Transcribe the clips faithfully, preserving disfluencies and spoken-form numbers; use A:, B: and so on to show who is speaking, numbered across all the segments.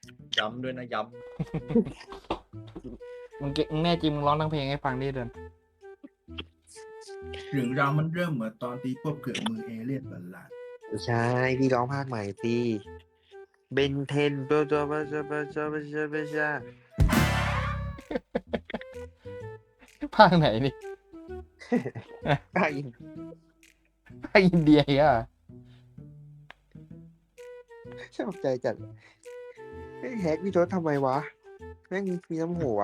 A: ย้ำด้วยนะย้
B: มึงเก่งมึงแน่จริงมึงร้องทั้งเพลงให้ฟังดิเดิน
C: เรื่องราวมันเริ่มเหมือนตอนที่พบเกิดมือเอเลี่ยนบัลลังก์
D: ไม่ใช่พี่ร้องภาคใหม่สิเบนเทนโปรโตบาจาบาจาบาจาบาจา
B: ภาคไหนนี่
D: ภาคอิน
B: ภาคอินเดียอ่ะ
D: ชอบใจจัดไอ้แฮกพี่ทศทำไมวะแม่งมีน้ำหัว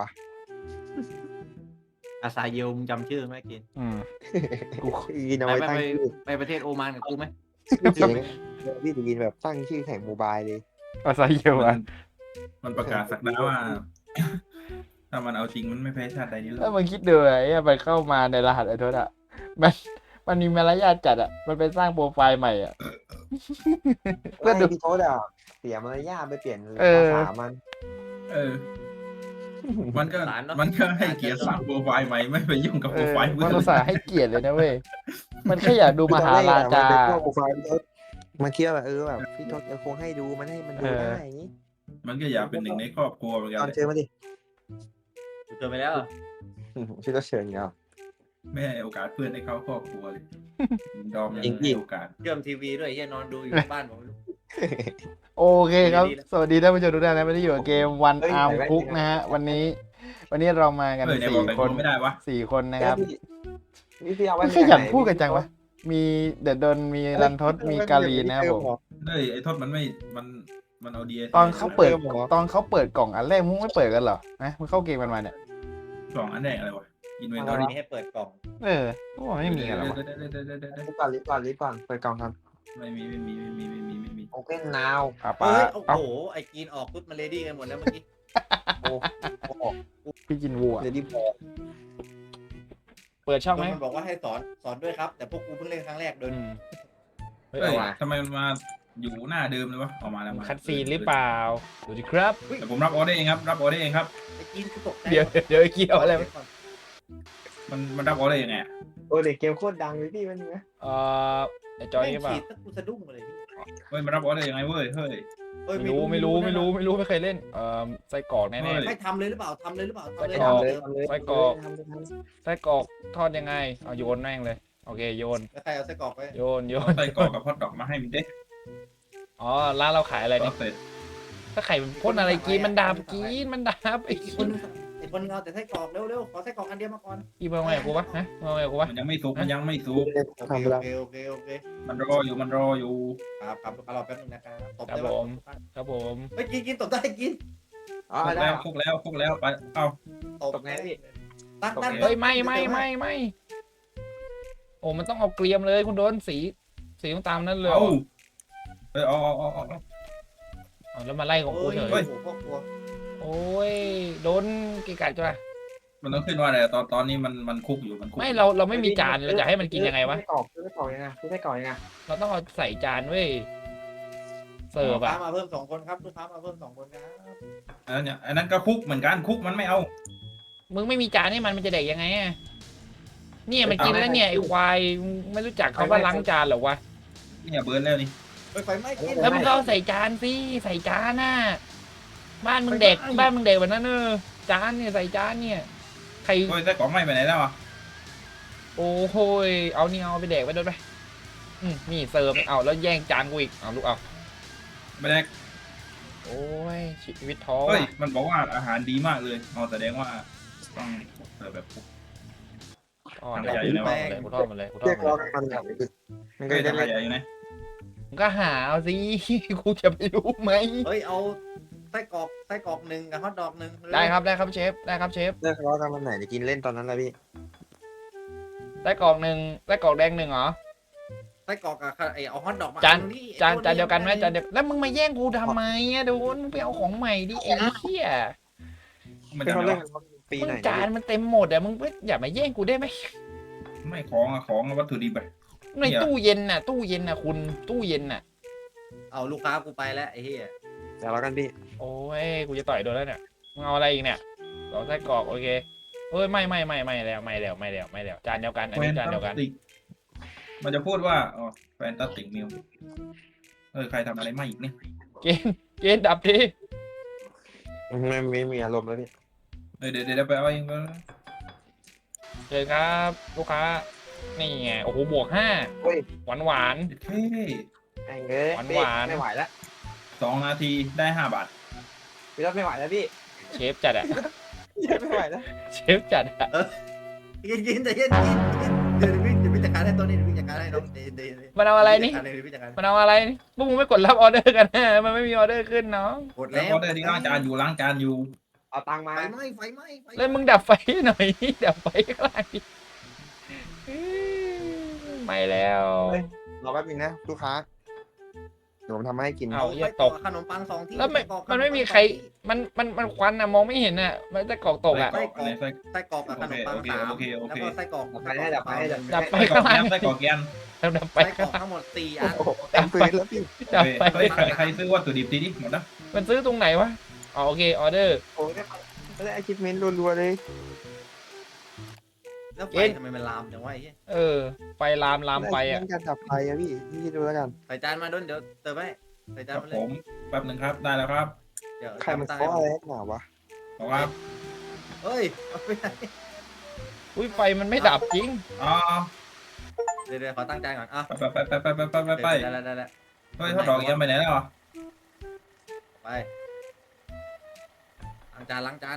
A: ำอาซาเยลมึงจำชื่อไหมกิน
B: อืม
D: กูกินเอา
A: ไป
D: ไว้
A: ไป
D: ตั้ง
A: ไป
D: ชื่อ
A: ไปประเทศโอมานกับกูไหม
D: เสียงพี่จะกินแบบตั้งชื่อแข่งโมบายเลย
B: อาซาเยล
C: มั
B: อ่ะ
C: นมันประกาศสักดาว่า ถ้ามันเอาจริงมันไม่แพ้ชาติใดนี้หร
B: ถ้า
C: อก
B: มึงคิดดูไอ้มันเข้ามาในรหัสไอ้ทศอ่ะมันมันมีมารยาทจัดอ่ะมันไปสร้างโปรไฟล์ใหม่อ่ะ ก็
D: ไม่
B: ดู
D: พี่ทศอ่ะเสียมารยาทไปเปลี่ยน
B: เออ
D: ภาษามัน
C: เออ มันก็มันก็ให้เกียรติสั่งโปรไฟล์ใหม่ไม่ไปยุ่งกับ
B: เอ
C: โปร
B: อ
C: ไฟล์
B: มัน
C: เพื่อน
B: อุตส่าห์ให้เกียรติเลยนะเว้ยมันแค่อยากดูมหาราชา
D: คือตอนแรกอะมันเป็นพวกโปรไฟล์พี่ทศมันคิดว่าแบบเออแบบพี่ทศจะคงให้ดูมันให้มันดู
B: เออ
D: ได้อย่างนี้
C: มันก็อยากเป็นหนึ่งในครอบครัวเหมือนกั
D: ตอน
C: น
D: เจอมาดิ
A: กูเจอไปแล้ว
D: พี่ทศเชิญเนาะ
C: ไม่ให้โอกาสเพื่อนให้เข้าครอบครัวเลยดอมยัง
D: จริงๆ
C: ให้โอกาส
A: เชื่อมทีวีด้วยเฮียนอนดูอยู่บ้านผม
B: โอเคครับ
A: ดีนะ
B: สวัสดีท่านผู้ชมทุกท่านนะไม่ได้อยู่กับเกมวันอาร์มคุกนะฮะวันนี้ วันนี้เรามากัน
C: เออเนี่ยบ
B: สี่
C: อกแต่ง
B: ค
C: ตัวน ไม่ได้วะ
B: สี่คนนะครับ
D: พี่พี่เอาไว้
B: ไม่ขยันพูดกันจังวะมีเดดดนมีรันทดมีกาลีนะครับผม
C: เฮ้ยไอ้ทศมันไม่มันมันเอาดี
B: ตอนเขาเปิดตอนเขาเปิดกล่องอันแรกมึงไม่เปิดกันเหรอนะมึงเข้าเกมกันมาเนี่ย
C: กล่องอันแรกอะไรวะอินเวน
A: ต
C: ท
A: อ
C: อน รี่
A: นี้ให้เปิดกล่อง
B: เออพวกมันไม่มีกันหรอวะ
D: รีบก่อนรีบก่อนรีบก่อนเปิดกล่องทัน
C: ไม่มีไม่มีไม่มีไม่มีไม่มี
D: โอเ n นนาว
B: ป้า
A: เฮ้
B: ป้าย
A: โอ้
B: เอ้า
A: โหไอ้กินออกปุ๊บมาเลดี้กันหมดแล้วเมื่อกี้
D: โอ้โห
B: พี่กินวัว
D: เดี๋ยวรีบบอก
B: เปิดช่องไหม
A: มันบอกว่าให้สอนสอนด้วยครับ แต่พวกกูเพิ่งเล่นครั้งแรกโดย
B: อืมเฮ้ย
C: เฮ้ย
B: เอาว่ะ
C: ทำไมมันมาอยู่หน้าเดิมเลยวะออกมาแล้วมา
B: คัดซีนหรือเปล่าดูดิครับ
C: แต่ผมรับออเดอร์เองครับรับออเดอร์เองครับ
A: ไอ้กินกูตกใจ
B: เดี๋ยวเดี๋ยวไอ้กี้เอาอะไรมา
C: มันมันรับออเดอร์ยังไงอะ
D: โอ้เด็กเกมโคตรดังเลยพี่มันนะ
B: เอ่อไอ้จอย
A: แม่ง
B: นี่เปล่า
A: ฉีดตั้งกูสะดุ้งเลยพี่
C: เฮ้ยมันรับออเดอร์ยังไงเว้ยเฮ้ย
A: เอ้ย
B: ไม่รู้ไม่รู้ไม่รู้ไม่รู้ไม่เคยเล่นเอ่อไส้กรอกแน่
C: เฮ้ย
A: ไม่ทำเลยหรือเปล่าทำเลยหรือเปล่าทำเลย
B: ไส้กรอก
A: ทำเลย
D: ทำเลย
B: ไส้กรอก
D: ทำเลยทำเลย
B: ๆไส้กรอกทอดยังไงเอาโยนแม่งเลยโอเคโยน
A: แล้วใครเอาไส้กรอกไป
B: โยนโย
C: เอา
B: น
C: ใส่กรอกกับฮอทดอกมาให้มันเด้
B: อ๋อร้านเราขายอะไร
C: ก็
B: เนี่ย
C: เสร็จ
B: ถ้าไข่มันพ่นอะไรกินมันดาบกินมันดาบไอ้
A: อีกค
B: กิ
A: น
B: น
A: นึงอีกคนนึงเอาแต่ไส้กรอกเร็วๆขอไส้กรอกอันเดียวมาก่อน
B: อีเบลไงกับกูปะฮะเบลไงกับกูปะ
C: มันยังไม่สุกมันยังไม่สุก
A: โอ
D: ทำไป
A: เค
D: แล้ว
A: โอเคโอเคโอเค
C: มันรออยู่มันรออยู่
A: ครับครับรอแป๊บนึงนะครับตบ
B: ครับ
A: ได้
B: ผ
A: ปะ
B: มครับผม
A: เฮ้ยกินกินตบได้กิน
D: อ๋อ
C: คลุก
D: ได้
C: แล้วคลุกแล้วคลุกแล้วไปเอ้า
A: ตบ
D: ตบไงพี่
A: ตั้งตั้ง
B: เฮ้ยไม่ไม่ไม่ไม่โอ้มันต้องเอาเกรียมเลยคุณโดนสีสีต้องตามนั้นเลย
C: เอาเฮ้ยเอาเอาเอาเอา
B: เอาแล้วมาไล่ของกู
A: โอ้ย
B: เฉย
A: โอ้โหพ่อครัว
B: โอ้ยโดนกี่กัดจ้ะ
C: มันต้องขึ้นว่าอะไรตอนตอนนี้มันมันคลุกอยู่มันคลุก
B: ไม่เราเราไม่มีจานเราจะให้มันกินยังไงวะ
D: ไม่กรอกไม่กรอกยังไงไม่กรอกยังไง
B: เราต้องเอาใส่จานเว้ยเสิร์ฟ
A: ลูกค้า
B: อะ
A: มาเพิ่มสองคนครับลูกค้ามาเพิ่มสองคนครับ
C: อันนั้นเนี่ยอันนั้นก็คลุกเหมือนกันคลุกมันไม่เอา
B: มึงไม่มีจานให้มันมันจะเด็กยังไงอะเนี่ยมันกินแล้วเนี่ยไอ้ควายมึงไม่รู้จักเขาว่าล้างจานเหรอวะ
C: เนี่ยเบิร์นแล้วนี่
A: เฮ้ยไฟไหม้กิน
B: แล้วมึงก็เอาใส่จานสิใส่จานน่ะบ้านมึงเด็กบ้านมึงเด็กแบบนั้นเออจานเนี่ยใส่จานเนี่ยใคร
C: โอ้ยไส้กรอกไหม้ไปไหนแล้วอ่ะ
B: โอ้โหยเอานี่เอาไปเด็กไปโดนไปอืมนี่เสิร์ฟเอาแล้วแย่งจานกูอีกเอาลูกเอา
C: ไม่ได้
B: โอ้ยชีวิตท้อ
C: เฮ้ย
B: อะ
C: มันบอกว่าอาหารดีมากเลยเอาแสดงว่าต้องเสิร์ฟแบบคลุก
B: ทอดเลยกูทอดมาเลยกูทอดมาเลยกูทอ
D: เรีย
B: ด
D: กร้อ
B: มาง เลย
D: มันแบบมันก็
C: เฮ้ย
D: จะ
C: ทำ
D: เล่น
C: ใหญ่อยู่นะ
B: มึงก็หาเอาสิ กูจะไปรู้ไหม
A: เฮ้ยเอาไส้กรอกไส้กรอกหนึ่งกับฮอทดอกหนึ่ง
B: ได้ครับได้ครับเชฟได้ครับเชฟ
D: เรียกร้องกันวันไหนจะกินเล่นตอนนั้นแหละพี่
B: ได้กรอกหนึ่งได้กรอกแดงหนึ่งเหรอ
A: ไส้กรอกกับไอเอาฮอทดอกมา
B: จาน
A: อัที่
B: จาน
A: ไอ้
B: จานเดียวกันไหม
A: อ้
B: จานเดียวแล้วมึงมาแย่งกูทำไมอะดูมึงไปเอาของใหม่ดิไอ้เหี้ย
C: มัน
D: เป็น
C: จะ
D: เขา
C: ไม่
D: เล่น
C: ว่า
D: กันปี
B: มึ
D: ไห
B: ง
D: น
B: จานมันเต็มหมดอะมึงอย่ามาแย่งกูได้ไหม
C: ไม่ของอะของอะวัตถุดิบอะ
B: ในตู้เย็นน่ะ ตู้เย็นน่ะคุณตู้เย็นน่ะ
A: เอาลูกค้ากูไปแล้วไอ้เหี้ย
D: แต่เรากันพี่
B: โอ้ยกูจะต่อยโดนแล้วเนี่ยมึงเอาอะไรอีกเนี่ยสองไส้กรอกโอเคเอ้ยไม่ไม่ไม่ไม่แล้วไม่แล้วไม่แล้วไม่แล้วจานเดียวกันอันนี้จานเดียวกัน
C: ติกมันจะพูดว่าอ๋อแฟนตาติกมิวเออใครทำอะไรมาอีกเนี่ย
B: เกณฑ์เกณฑ์ดับที
D: ไม่ไม่มีอารมณ์แล้วพี่
C: เออเดี๋ยวเดี๋ยวเดี๋ยวไปเอาเองก็
B: เจอครับลูกค้านี่ไงโอ้โหบวกห้า
D: เฮ้ย
B: หวานหวาน
C: เฮ้ย
D: แองเอ้ย
B: หวาน
D: พี่
B: หวาน
D: ไม่ไหวแล้ว
C: สองนาทีได้ห้าบาท
D: พี่รถไม่ไหวแล้วพี่
B: เชฟจัดอะ
D: ไม่ไหวแล้ว
B: เชฟจัดอะ
A: กินกินแต่เย็นกินกินเดี๋ยวพี่เดี๋ยวพี่จัดการให้ตัวนี้เดี๋ยวพี่จัดการให้น้องเดี๋ยวเดี๋ยว
B: มันเอาอะไรนี่
A: จัดการเลยเดี๋ยวพี่จัดการ
B: มันเอาอะไรนี่พวกมึงไม่กดรับออเดอร์กันนะมันไม่มีออเดอร์ขึ้นเนาะ
A: กด
C: แล้
A: แล้ว ว
C: ก็ได้ที่ล้างจานอยู่ล้างจานอยู่
D: เอาตังค์มา
A: ไฟไหม้ไฟไหม้ไฟไหม้
B: แล้วมึงดับไฟหน่อย ดับไฟข้างล่างดิไม่แล้ว
D: รอแป๊บนึงนะลูกค้าเดี๋ยวผมทำให้กิน
B: เอา
A: ไปต่อขนมปังสองที่
B: แล้วไม่
A: ไส้กรอก
B: มันไม่มีใครมันมันมันควันอะมองไม่เห็นอะมันจะกรอกตกอะ
C: ไส้กรอกอะไรไส้
A: ไส้กรอกกับขนมปัง
C: โอเค
A: สาม
C: โอเคโอเค
A: แล้วก็ไส้กรอก
D: ดับไฟให้ดับไฟให้
B: ดับไฟ
C: ไส้กรอ
B: ข้าก ง
C: แก
B: ล่าง
C: นไส้กรอกแกน
B: แล้วดับไฟ
A: ไส้กร
B: ข้าง
A: อก
B: ล่าง
A: ทั้งหมดสี่
D: โอ้
A: อัน
D: โหเต็มปืนแล้วพี่
B: ดับ
C: เฮ้ย
B: ไฟ
C: เฮ้ยใครใครซื้อวัตถุดิบทีนี้หมดนะ
B: มันซื้อตรงไหนวะอ๋อโอเคออเดอร์
D: โอ้ยได้ได้ achievement รัวๆเลย
A: แล้วไฟทำไมมันลามจังวะไอ้เหี้ย
B: เออไฟลามลามไปอะ
D: ด้ achievement การดับไฟอะพี่พี่ดูแล้วกัน
A: ใส่จานมาด้วยเดี๋ยวเติมให้ใส่
C: ค
A: จาน
C: รับ
A: มาเล
C: ผ
A: ย
C: มแป๊บหนึ่งครับได้แล้วครับ
A: เดี๋ยว
D: ใครมัน
A: ตั้ง
D: เคาะ
A: ให้
D: อะไรนักหนาวะ
C: บอกว่า
A: เฮ้ยเอาไปไหน
B: อุ้ยไฟมันไม่ดับจริง
C: อ๋อ
A: เดี๋ยวเดี๋ยวขอตั้งจานก่อนอ่ะ
C: ไปไปไปไปไปไปไปไป
A: ได้แล้วได้แล้ว
C: เฮ้ยทอดดอกยังไปไหนแล้วอ่ะ
A: ไปล้างจานล้างจาน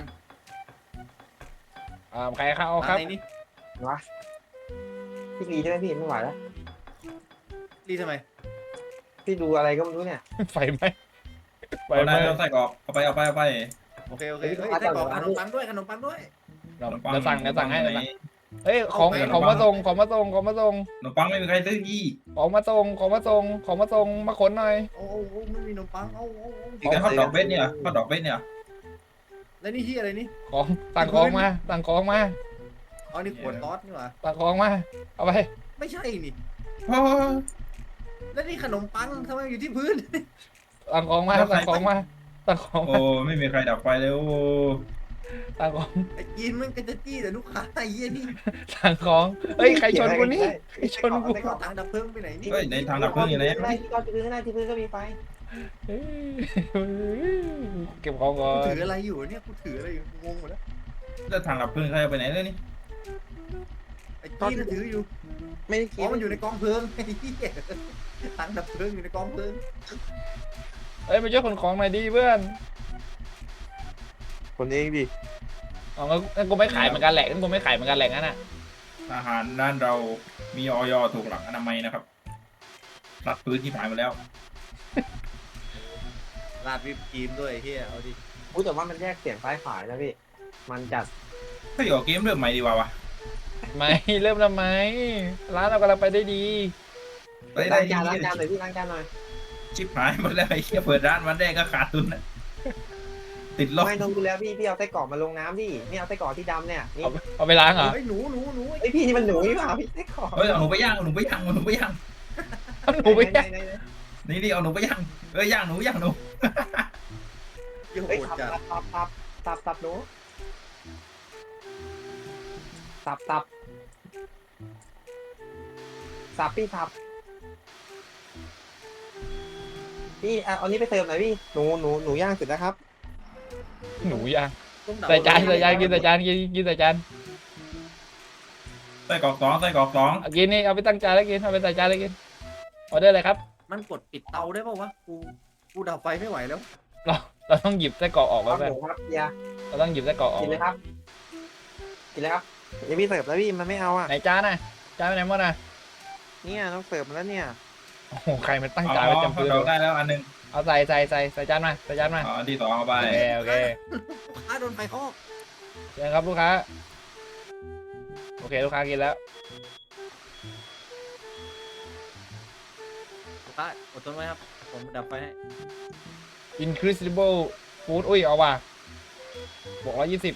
B: อ่าใครเข้า
A: ล้าง
B: ครับ
A: ในนี้
D: วะพี่รีใช่ไหมพี่ไม่ไหวแล้ว
A: รีทำไม
D: พี่ดูอะไรก็ไม่รู้เนี่ย
B: ไฟไหมไฟ
C: เอา
B: ไหม
C: ได้แล้วไส้กรอกเอาไปเอาไปเอาไป
A: โอเคโอเคเฮ้ยไส้กรอกขนมปังด้วยขนมปังด้วย
B: เดี๋ยวเดี๋ยวสั่งเดี๋ยวสั่งให้
C: ข
B: เดี๋ย
C: น
B: ว
C: ม
B: สั่ง
C: ปัง
B: เฮ้ยของ
A: เอาไป
B: ของมาส่งของมาส่งของมาส่ง
C: ขนมปังไม่มีใครซื้อยี่
B: ของมาส่งของมาส่งของมาส่งมาขนหน่อย
A: โอ้โหไม่มีขนมปังโอ้โห
C: อีกแต่ทอดดอกเบสเนี่ยทอดดอกเบสเนี่ย
A: แล้วนี่ที่อะไรนี่
B: ของสั่งของมาสั่งของมา
A: อ๋อนี่ขวดซอสนี่หว่า
B: สั่งของมาเอาไป
A: ไม่ใช่นี่
C: โอ้
A: แล้วนี่ขนมปังทำไมอยู่ที่พื้น
B: สั่งของมาสั่งของมาสั่งของ
C: โอ้
B: มา
C: ไม่มีใครดับไฟเลยโอ้
B: สั่งของ
A: ไอ้กินมันก็จะจี้แต่ลูกค้าไอ้เหี้ยนี่
B: สั่งของเฮ้ยใครชนกูนี่ใครชนกู
A: เอาถังดับเพลิงไปไหนนี่
C: เฮ้ยในทางดับเพลิงอยู่ไหน
D: ข้างในที่ก็ที่พื้นข้างในที่พื้นก็มีไฟ
B: เฮ้ยเก็บของก่อ
A: กู
B: น
A: ถืออะไรอยู่เนี่ยกูถืออะไรอยู่งงหมดแล้ว
C: แล้วทางดับเพลิงใครเอาไปไหนเลยนี่
A: ไอ้กินมันถืออยู่
D: ไม่ได้
A: อ๋
D: กิ
A: อน มันอยู่ในกองเพลิงไอ้เหี้ยถังดับเพลิงอยู่ในกองเพลิง
B: เฮ้ยมาช่วยขนของหน่อยดิเพื่อน
D: คนเองดิ
B: อ๋องั้นงั้นกูไม่ขายเหมือนกันแหละงั้นกูไม่ขายเหมือนกันแหละงั้นอ่ะ
C: อาหารด้านเรามีออยถูกหลักอนามัยนะครับรัดพื้นที่ผ่านมาแล้ว
A: ราดวิปครีมด้วยไอ้เหี้ยเอาดิ
D: อู้แต่ว่ามันแยกเสียงซ้ายขวานะพี่มันจัด
C: เฮ้ยออกเกมเริ่มใหม่ดีกว่าวะ
B: ไม่เริ่มทำไมร้านเรากำลังไปได้ดี
C: ไปได้
D: ล้าง
C: ดี
D: จานล้างจานหน่อยพี่ล้างจานหน่อย
C: ชิบหายหมดแล้วไอ้เหี้ยเปิดร้านวันแรกก็ขาดทุนนะติดลบ
D: ไม่ต้องดูแล้วพี่พี่เอาไส้กรอกมาลงน้ำดินี่เอาไส้กรอกที่ดำเนี่ยนี่
B: เอาเอาไปล้างเหรอ
A: เฮ้ยหนูหนูหนู
D: ไอยพี่นี่มันหนูนี่เปล่าพี่ไส้กรอก
C: เฮ้ยเอาหนูไปย่างเอาหนูไปย่างเอาหนูไปย่าง
B: เอาหนูไป
D: ไหน
B: ย่าง
D: ไหนไหน
C: นี่นี่เอาหนูไปย่างเอ้ยย่างหนูย่างหนู
A: เหี้ยโห
D: เฮ้ย
A: ด
D: สับ
A: จัด
D: สับสับสับสับหนูสับสับสับพี่สับพี่เอาอันนี้ไปเติมหน่อยพี่หนูหนูหนูย่างเสร็จแล้วครับ
B: หนูย่าง
A: ต้องดับ
B: ใส่จานใส่จานกินใส่จานกินกินใส่จาน
C: ไส้กรอกสองไส้กรอกสอง
B: เอากินนี่เอาไปตั้งจานแล้วกินเอาไปใส่จานแล้วกินออเดอร์อะไรครับ
A: มันกดปิดเตาได้ป่าวะกูกูดับไฟไม่ไหวแล้ว
B: เราเราต้องหยิบไส้กรอกออก
D: ครั
B: แล้
D: บ
B: ว
D: ห
B: เพื่อน
D: มูครับเบียร์
B: เราต้องหยิบไส้กรอกออก
D: กินเลยครับ กินเลยครับเดี๋ยวพี่เสิร์ฟแล้วพี่มันไม่เอาอ่ะ
B: ไหนจานน่ะจานไปไหนหมดน่ะ
D: เนี่ยต้องเสิร์ฟมาแล้วเนี่ย
B: โอ้โหใครมันตั้ง
C: อ๋อ
B: จานไว้จำ
C: เขา
B: พื้น
C: ดอกได้แล้วอันหนึ่ง
B: เอาใส่ใส่ใส่ใส่จานมาใส่จานมา
C: อ๋ออันที่สองเอาไป
B: โอเคโอเค
A: ลูกค้าโดนไฟคอก
B: เชิญครับลูกค้าโอเคลูกค้ากินแล้ว
A: ลูกค้าอดทนไว้ครับผมดับไฟให้
B: incredible food อุ้ยเอาว่ะบวกร้อยยี่สิบ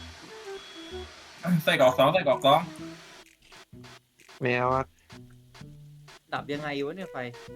C: ไส้กรอกสองไส้กรอกสอง
D: ไม่เอาอ่ะ
A: ดับยังไงวะเนี่ยไฟ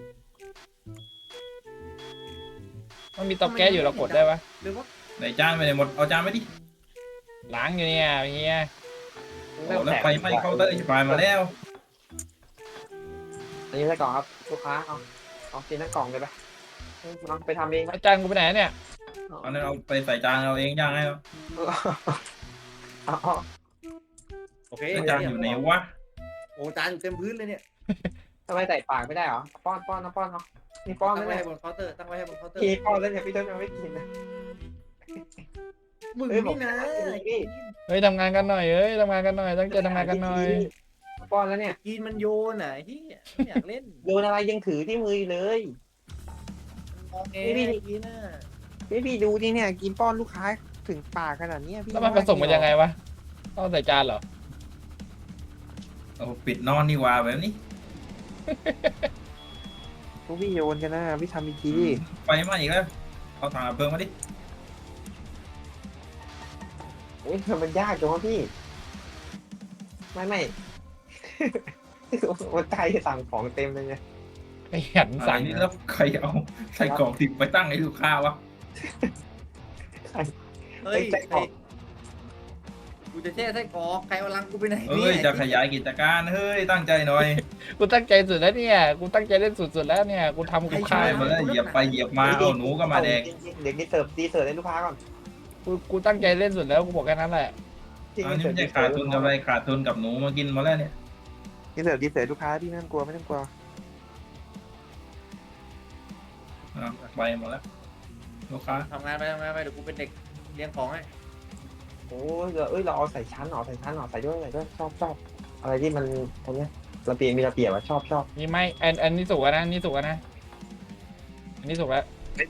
B: มันมีเตาแก๊สอยู่เรากดได้ปะ
A: หรือว่า
C: ไหนจานไปไหนหมดเอาจานไปดิ
B: ล้างอยู่เนี่ยเฮีย
C: โอ้แล้วไฟไหม้เคาน์เตอร์ชิบหายมาแล้ว
D: อันนี้ไส้กรอกครับลูกค้าเอาเอากินทั้งกล่องเลยไปน้องไปทำเองไหม
B: อาจารย์กูไปไหนเนี่ย
C: เอาเนี่ยเอาไปใส่จานเราเองย่างให้เรา
D: เอาเอา
A: โอเค
C: แล้วจานอยู่ไหนวะ
A: โอ้จานอยู่เต็มพื้นเลยเนี่ย
D: ทำไมใส่ปากไม่ได้เหรอป้อนป้อนนะป้อนเนาะนี่ป้อน
A: ตั้ง
D: ไม่
A: ไว้
D: ได้
A: ให้บนเคาน์เตอร์ตั้งไว้ให้บนเคาน์เตอร์
D: พี่ป้อนแล้วเนี่ยพี่ต้นยังไม่กินนะ
A: มึง
D: เอ้ยบอ
A: นี่
D: ก
A: นะ
D: พี่
B: เฮ้ยทำงานกันหน่อยเฮ้ยทำงานกันหน่อยตั้งใจทำงานกันหน่อย
D: ป้อนแล้วเนี่ย
A: กินมันโยนอ่ะที่ไม่อยากเล่น
D: โดนอะไรยังถือที่มืออยู่เลย
A: มองเอ
D: นี่
A: ง
D: นี่
A: กินน่ะ
D: พี่พี่ดูดิเนี่ยกินป้อนลูกค้าถึงปากขนาดเนี้ยพี่
B: แล้วมันผสมกันยังไงวะต้องใส่จานเหรอ
C: เอาปิดนอนดีกว่าแบบนี้
D: พวกพี่โยนกันนะพี่ทำอีกที
C: ไปมาอีกแล้วเอาถังดับเพลิงมาดิ
D: เฮ้ยมันยากจังวะพี่ ไม่ไม่ วันใจสั่งของเต็มเลยไง
B: ขยัน
C: อะไร
B: สั่ง
C: นี่แล้วใครเอาใส่กล่องติดไปตั้งให้ลูกค้าวะ
A: เฮ้ยไอ้กูจะแช่ไส้กรอกใครเอาลังกูไปไหน
C: เอ้ยจะขยายกิจการเฮ้ยตั้งใจหน่อย
B: กูตั้งใจสุดแล้วเนี่ยกูตั้งใจเล่นสุดๆแล้วเนี่ยกูทำกู
C: ใช่
B: ค่าย
C: มาแล้วเหยียบไปเหยียบมาเอาหนูก็มาแดก
D: เด็กนี่เสิร์ฟดีเสิร์ฟให้ลูกค้าก่อน
B: กูกูตั้งใจเล่นสุดแล้วกูบอกแค่นั้นแหละ
C: อันนี้ไม่ใช่ขาดทุนกับอะไรขาดทุนกับหนูมากินมาแล้วเนี่ย
D: ดีเสิร์ฟดีเสิร์ฟลูกค้าพี่ไม่ต้องกลัวไม่ต้องกลัว
C: อ่ะไปหมดแล้วลูกค้า
A: ทำงานไปทำงานไปเดี๋ยวกูเป็นเด็กเลี้ยงของให้
D: โอ้ยเอ้ยเราเอาใส่ชั้นหรอใส่ชั้นหรอใส่ด้วยใส่ด้วยชอบชอบอะไรที่มันตรงเนี้ยระเบียบมีระเบียบอะชอบชอบ
B: นี่ไม่อันอันนี้สุกแล้วนะอันนี่สุกแล้วนะอันนี้สุกแล้ว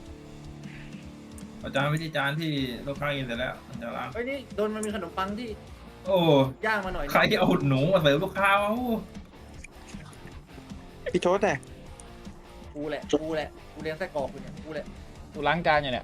C: อาจารย์วิธีจานที่ลูกค้ากินเสร็จแล้วอาจารย์ล้าง
A: เฮ้ยนี่โดนมันมีขนมปังที่
C: โอ้
A: ย่างมาหน่อย
C: ใครเอาหนูมาเสิร์ฟลูกค้าวะ
D: พี่โชดแต่
A: กูแหละกูแหละกูเลี้ยงไส้กรอกกูเนี่ยกูแหละ
B: กูล้างจานอยู่เนี่ย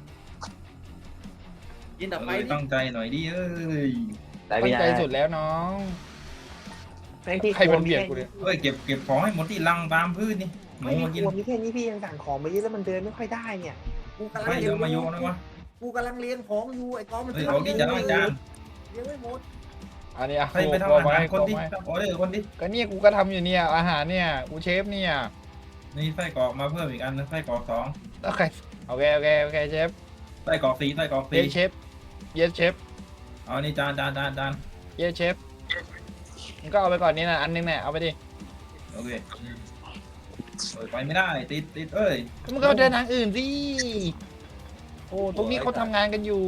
A: กินดับไฟ
C: เออ
A: ดิ
C: ตั้งใจหน่อยดิเอ้ย
D: แต่
B: ตั้
D: พี่
B: ง
D: นะ
B: ใจสุดแล้วน้อง
D: แม่งที่
B: ใครมันเบียดกูเนี่ย
C: เอ้ยเก็บเก็บของให้หมดที่ลังตามพื้นนี่หนู
D: ไม่มี
C: มา
D: ค
C: กิน
D: รัวมีแค่นี้พี่ยังสั่งของไปเยอะแล้วมันเดินไม่ค่อยได้เนี่ย
A: กูกำลัง
C: ไม่
A: เลี้
C: เดี๋
A: ย
C: ยว
A: ง
C: มาโยนนะวะ
A: กูกำลังเลี้ยงของอยู่ไอ้กองมัน
C: เฮ้ยเอาดิจะล้างจาน
A: เลี้ยงไม่หมด
B: อันนี้อ่ะ
C: ให้ไป
B: โก
C: ทำ
B: โก้
C: อา
B: ไว้
C: หารคน
B: โก
C: ที่
B: ไว้
C: ทำออเดอร์คนที่
B: ก็เนี่ยกูก็ทำอยู่เนี่ยอาหารเนี่ยกูเชฟเนี่ย
C: นี่ไส้กรอกมาเพิ่มอีกอันนึงไส้กรอกสอง
B: โอเคโอเคโอเคโอเคเชฟ
C: ไส้กรอกสี่ไส้กรอก
B: เย
C: สี่
B: สเชฟเยสเชฟ
C: เอานี่จานจานจานจาน
B: เยสเชฟมึงก็เอาไปก่อนนี่นะอันนึงเนี่ยเอาไปดิ
C: โอเคเอ้ยไปไม่ได้ติดติดเอ้ย
B: มึงก็เดินทางอื่นสิโอ้ตรงนี้เขาทำงานกันอยู่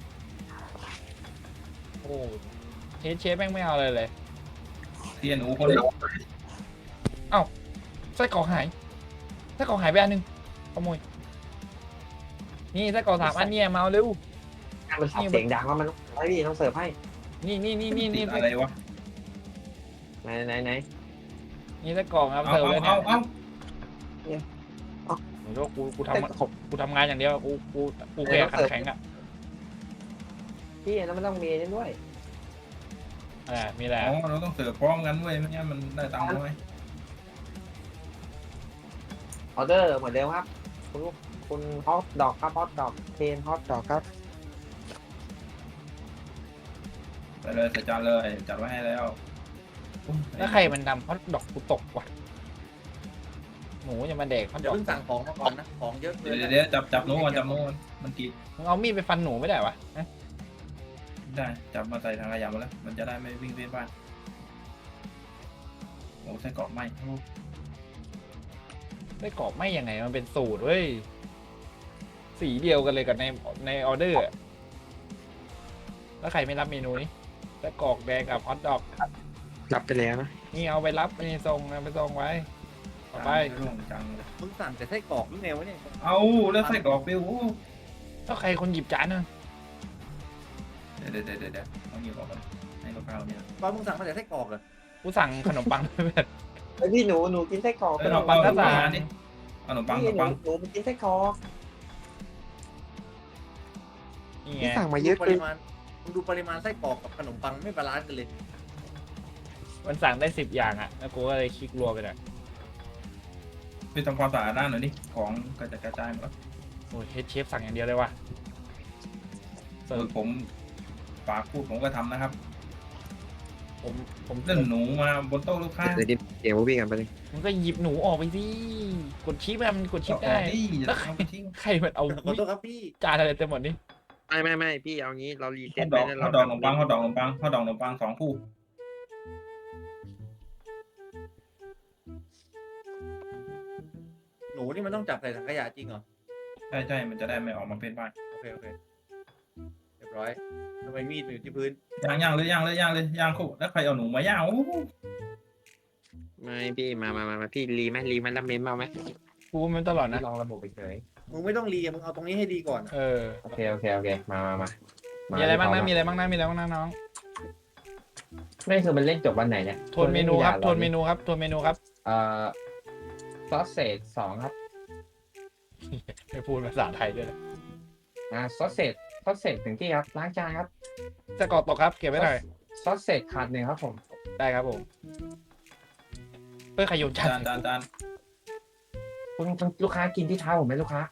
B: โอ้เฮดเชฟแม่งไม่เอาเลยเลย
C: เทียนหนูคนเดียว
B: ไส้กรอกหายไส้กรอกหายไปอันนึงขโมยนี่ไส้กรอกสามอันเนี่ยมาเอาเร็ว
D: มันสับเสียงดังว่ามันไอ้พี่ต้องเสิร์ฟให้
B: นี่นี่นี่นี่
C: ติ
B: นี่
C: ดอะไรวะ
D: ไหนไหนไหน
B: นี่ไส้กรอกครับ
C: เอา
B: เสิร์ฟ
C: เอา
B: เลยเนี่
C: เอา
B: ย
C: เอา
B: หนูว่ากูกู
D: แต่
B: ทำกูทำงานอย่างเดียวกูกูกูแค่ขันแข็งอ่ะ
D: พี่แล้วมันต้องมีนี่ด้วย
B: อ่ามีแหละ
C: อ๋อเราต้องเสิร์ฟพร้อมกันด้วยไม่งั้นมันได้ตังค์น้อย
D: ออเดอร์เหมือนเดิมครับคุณลูกคุณฮอตดอกครับฮอตดอกเทนฮอตดอกครับ
C: ไปเลยใส่จานเลยจัดไว้ให้แล้วอุ๊ย
B: แล้วใครมันดำเพราะดอกกูตกว่ะหนูอย่ามาเด็กเพราะด
A: เดี๋ยว
B: อก
A: เพิ่งสั่งของมาก่อนนะของเยอะเกิ
C: เดี๋ยวน เดี๋ยวเดี๋ยวจับจับหนูก่อนจับหนูก่อนมันกรีด
B: มึงเอามีดไปฟันหนูไม่ได้วะฮะ
C: ได้จับมาใส่ทางขยะมาแล้ว มันจะได้ไม่วิ่งเวียนบ้านโอ้ไส้กรอกไหม
B: ได้กรอบไม่ยังไงมันเป็นสูตรเว้ยสีเดียวกันเลยกับในในออเดอร์อะแล้วใครไม่รับเมนูนี้แล้วกรอกแดงกับฮอทดอก
D: รับไปแล้วนะ
B: นี่เอาไปรับไปส่งนะไปส่งไว้ต่อไป
C: ร่วงจังเลย
A: มึงสั่งแต่ไส้กรอกหรือไงวะเนี่ย
C: เอาแล้วไส้กรอกปิ้วโอ้
B: แล้วใครคนหยิบจานนะ
C: เดี๋ยวเดี๋ยวเดี๋ยวเดี๋ยวเอาหยิบออกก่อนให้ลูกค้าเราเนี่ย
A: ตอนมึงสั่งมาแต่ไส้กรอกเหรอ
B: กูสั่งขนมปังไปแบบ
D: ไอพี่หนูหนูกินไส้กรอก
C: เอ้ยเราปังเราปังอันนี้เอาขนมปังข
D: พี่
C: นม
D: หนู
C: ปัง
D: หนูมันกินไส้กรอก
B: นี่ไง
D: พี่สั่งมาเยอะ
A: ป
D: เกิ
A: ริ
D: น
A: มาณมึงดูปริมาณไส้กรอกกับขนมปังไม่บาลานซ์กันเลย
B: มันสั่งได้สิบอย่างอ่ะแล้วกูก็เลยคลิกรัวไปเลย
C: ไปทำความสะอาดด้านหน่อยดิของกระจัดกระจายหมดแล้ว
B: โอ้ยเฮดเชฟสั่งอย่างเดียวเลยว่ะ
C: เออผมฝากพูดผมก็ทำนะครับ
B: ผมผม
C: เรื่องหนูมาบนโต๊ะลูกค้า
D: เดี๋ยวดิเดี๋ยวพี่กันไปเลย
B: มันก็หยิบหนูออกไปสิกดชิปอะมันกดชิปได้
C: นี่
B: แล้
C: แล้ว ว
B: ใคร
C: เอาไปทิ้ง
B: ใครมันเอา
A: ขอโทษครับพี่
B: จานอะไรเต็มหมดนี่
D: ไม่ไม่ไม่พี่เอางี้เรารีเซ็
C: ข้า
D: ต
C: วด
D: ไป
C: อก
D: แล้ว
C: ข้าวดอกขนมปังข้าวดอกขนมปังข้าวดอกขนมปังสองคู่
A: หนูนี่มันต้องจับใส่ถังขยะจริงเหรอ
C: ใช่ใช่มันจะได้ไม่ออกมาเป็นบ้าน
A: โอเคโอเคเรียบร้อยทำไมมีดมันอยู่ที่พื้น
C: ย่างย่างเลยย่างเลยย่างเลยย่างคู่แล้วใครเอาหนูมาย่างโอ้โห
D: ไม่พี่มามามามาพี่รีไหมรีมันแล้วเมมเอาไหม
B: กูมันตลอดนะ
D: ลองระบบไปเฉย
A: มึงไม่ต้องรีอะมึงเอาตรงนี้ให้ดีก่อน
B: เออ
D: โอเคโอเคโอเคมามามา
B: มี
D: มี
B: อะไรบ้างนะมีอะไรบ้างนะมีอะไรบ้างนะน้อง
D: ไม่คือมันเล่นจบวันไหนเนี่ย
B: ทวนเมนูครับทวนเมนูครับทวนเมนูครับ
D: เอ่อซอสเศษสองครับ
B: ไม่พูดภาษาไทยด้วยนะ
D: อ่าซอสเศษซอสเศษถึงที่ครับล้างจานครับ
B: จะกรอกตกครับเก็บไว้หน่อย
D: ซอสเศษขาดหนึ่งครับผม
B: ได้ครับผมเพื่อขยนจา
C: จาน
B: น
C: จานจาน
D: คุณคุณลูกค้ากินที่เท้าผมไหมลูกค้า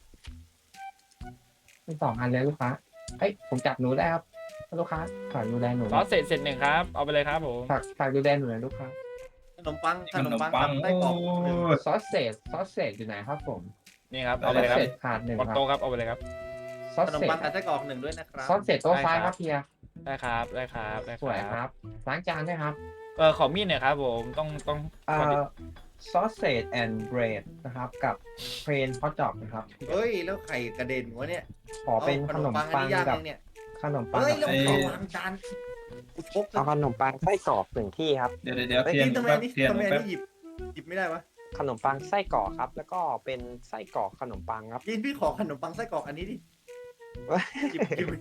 D: เป็นสองอันเลยลูกค้าเอ้ยผมจับหนูได้ครับลูกค้าฝากดูแลหนู
B: ซอสเสร็จเสร็จหนึ่งครับเอาไปเลยครับผม
D: ฝากฝากดูแลหนูหน่อยลูกค้า
A: ขนมปังข
C: ข
A: น
C: น
A: ม
C: ม
A: ปัง
C: ปั
A: กั
C: ง
A: บไส้กรอกหนึ่ง
C: โอ้ย
D: ซอสเศษซอสเศษอยู่ไหนครับผม
B: นี่ครับ
D: ซ
B: เอา
D: อ
B: ไป
D: ส
B: เลยครั
D: เศ
B: บ
D: ษขาดหนึ่ง
B: บน
D: ครับ
B: โต๊ะครับเอาไปเลยครับ
D: ซอส
A: ขนม
D: เศษ
A: ปังกับไส้กรอกหนึ่งด้วยนะครับ
D: ซอสเศษโต๊ะซ้ายครับเฮีย
B: ได้ครับได้ครับได้
D: สวยครับล้างจานด้วยครับ
B: เออขอมีดหน่อยครับผมต้องต้อง
D: เอ่
B: ขอดิ
D: อซอสเศษแอนด์เบรดนะครับกับเพลนฮอทดอกนะครับ
A: เฮ้ยแล้วไข่กระเด็นวะเนี่ย
D: ขอเป็น
A: อา
D: ขนม
A: อั
D: ปัง
A: ย่าง
D: กับ
A: ยังเนี่ย
D: ขนมปัง
A: เฮ้ย
D: กับ
A: แล้วเขาวางจานกูชก
D: เอาขนมปังไส้กรอกหนึ่งที่ครับ
C: เดี๋ยวเดี๋ยวเดี๋ยว
A: ไอ้
C: เทียน
A: นี่ทำไม
C: แป๊บ
A: นี่
C: เทียน
A: ทำไม
C: แป๊บ
A: นี่หยิบหยิบไม่ได้วะ
D: ขนมปังไส้กรอกครับ แล้วก็เป็นไส้กรอกขนมปังครับ
A: ยินพี่ขอขนมปังไส้กรอกอันนี้ดิหยิบหยิบ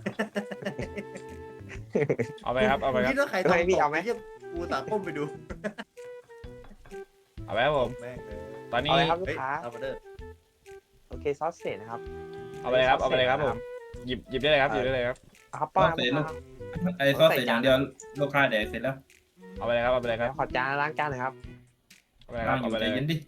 B: เอาไปครับเอาไปครับ
A: คิดว่าใครทำ
D: เฮ้ยพี่เอาไหม
A: หี้ยกูตาก้มไปดู
B: เอาไปครับผม
A: แม่งเลย
B: ตอนนี้
D: เอาเลยครับลู
A: เฮ้
D: ก
A: ย
D: ค้า
A: เอาไปเด้อ
D: โอเคซอสเศษนะครับ
B: เอาไปเลยครับเอาไปเลยครับผมหยิบหยิบได้เลยครับหยิบได้เลยครับ
D: เอาครับป้าครับ
C: ไอ้ซอสเสร็จอย่างเดียวลูกค้าแดกเสร็จแล้ว
B: เอาไปเลยครับเอาไปเลยครับ
D: ขอจานล้างจานหน่อยครับ
B: เอาไปเลยค
C: นั่
B: รับ
C: งอ
B: เอา
C: ยู่
B: ไป
C: ใจ
B: เลย
C: เย็นดิ